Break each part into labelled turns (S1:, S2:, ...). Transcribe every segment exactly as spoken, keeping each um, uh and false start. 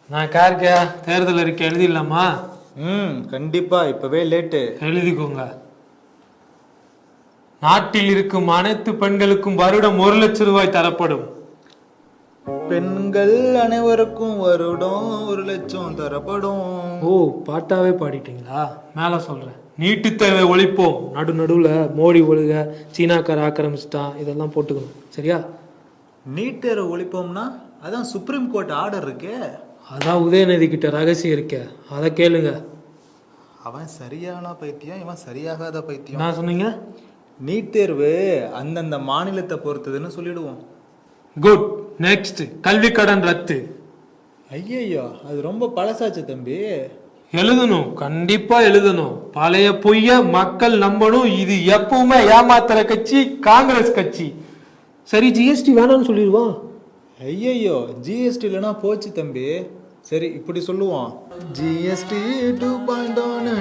S1: நான் கார்கியா தேர்தல் அறிக்கை எழுதிடலாமா?
S2: ம் கண்டிப்பா, இப்பவே லேட்டு.
S1: எழுதிக்கோங்க. நாட்டில் இருக்கும் அனைத்து பெண்களுக்கும் வருடம் ஒரு லட்சம் ரூபாய் தரப்படும்.
S2: பெண்கள் அனைவருக்கும் வருடம் ஒரு லட்சம் தரப்படும்.
S1: ஓ, பாட்டாவே பாடிட்டீங்களா? மேல சொல்றேன். நீட்டு தேவை ஒழிப்போம். நடு நடுவுல மோடி ஒழுக, சீனாக்கார ஆக்கிரமிச்சிட்டான், இதெல்லாம் போட்டுக்கணும். சரியா?
S2: நீட் தேர்வு ஒழிப்போம்னா அதான் சுப்ரீம் கோர்ட் ஆர்டர் இருக்கே.
S1: அதான் உதயநிதி கிட்ட ரகசியம் இருக்க, அதை கேளுங்க.
S2: அவன் சரியான பைத்தியம், இவன் சரியாகாத பைத்தியம்.
S1: என்ன சொன்னீங்க?
S2: நீட் தேர்வு அந்தந்த மாநிலத்தை பொறுத்ததுன்னு சொல்லிடுவோம்.
S1: குட். நெக்ஸ்ட், கல்வி கடன் ரத்து.
S2: ஐயையோ, அது ரொம்ப பழசாச்சு தம்பி.
S1: எழுதணும், கண்டிப்பா எழுதணும். பழைய பொய்ய மக்கள் நம்பணும். இது எப்பவுமே ஏமாத்துற கட்சி காங்கிரஸ் கட்சி. சரி, ஜிஎஸ்டி வேணாம்னு சொல்லிடுவான்.
S2: ஐயையோ, ஜிஎஸ்டி இல்லைனா போச்சு தம்பி. சரி, இப்படி சொல்லுவோம். ஜிஎஸ்டி டூ பாயிண்ட்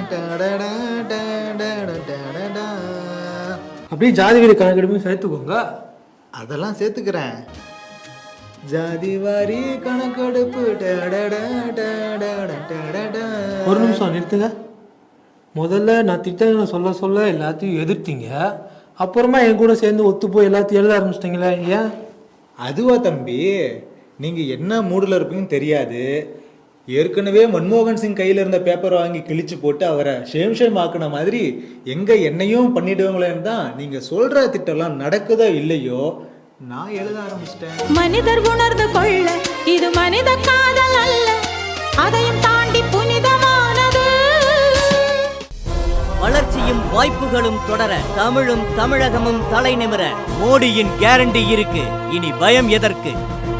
S1: அப்படியே ஜாதி வீடு கணக்கெடுப்பு சேர்த்துக்கோங்க.
S2: அதெல்லாம் சேர்த்துக்கிறேன். ஜாதி வாரி கணக்கெடுப்பு.
S1: ஒரு நிமிஷம் நிறுத்துங்க. முதல்ல நான் திட்டங்களை சொல்ல சொல்ல எல்லாத்தையும் எதிர்த்தீங்க. அப்புறமா என் கூட சேர்ந்து ஒத்து போய் எல்லாத்தையும் எழுத ஆரம்பிச்சிட்டிங்களே, ஏன்?
S2: அதுவா தம்பி, நீங்க என்ன மூடுல இருப்பீங்கன்னு தெரியாது. ஏற்கனவே மன்மோகன் சிங் கையில இருந்த பேப்பர் வாங்கி கிழிச்சு போட்டு அவரை ஷேம் ஷேம் ஆக்குன மாதிரி எங்க என்னையும் பண்ணிடுவாங்களேன்னு தான் நீங்க சொல்ற திட்டம்லாம் நடக்குதோ இல்லையோ நான் எழுத ஆரம்பிச்சிட்டேன்.
S3: மனிதர் உணர்ந்து கொள்ள இது மனித காதல் அல்ல, அதையும் தாண்டி புனிதமானது.
S4: வளர்ச்சியும் வாய்ப்புகளும் தொடர தமிழும் தமிழகமும் தலை நிமிர மோடியின் கேரண்டி இருக்கு. இனி பயம் எதற்கு?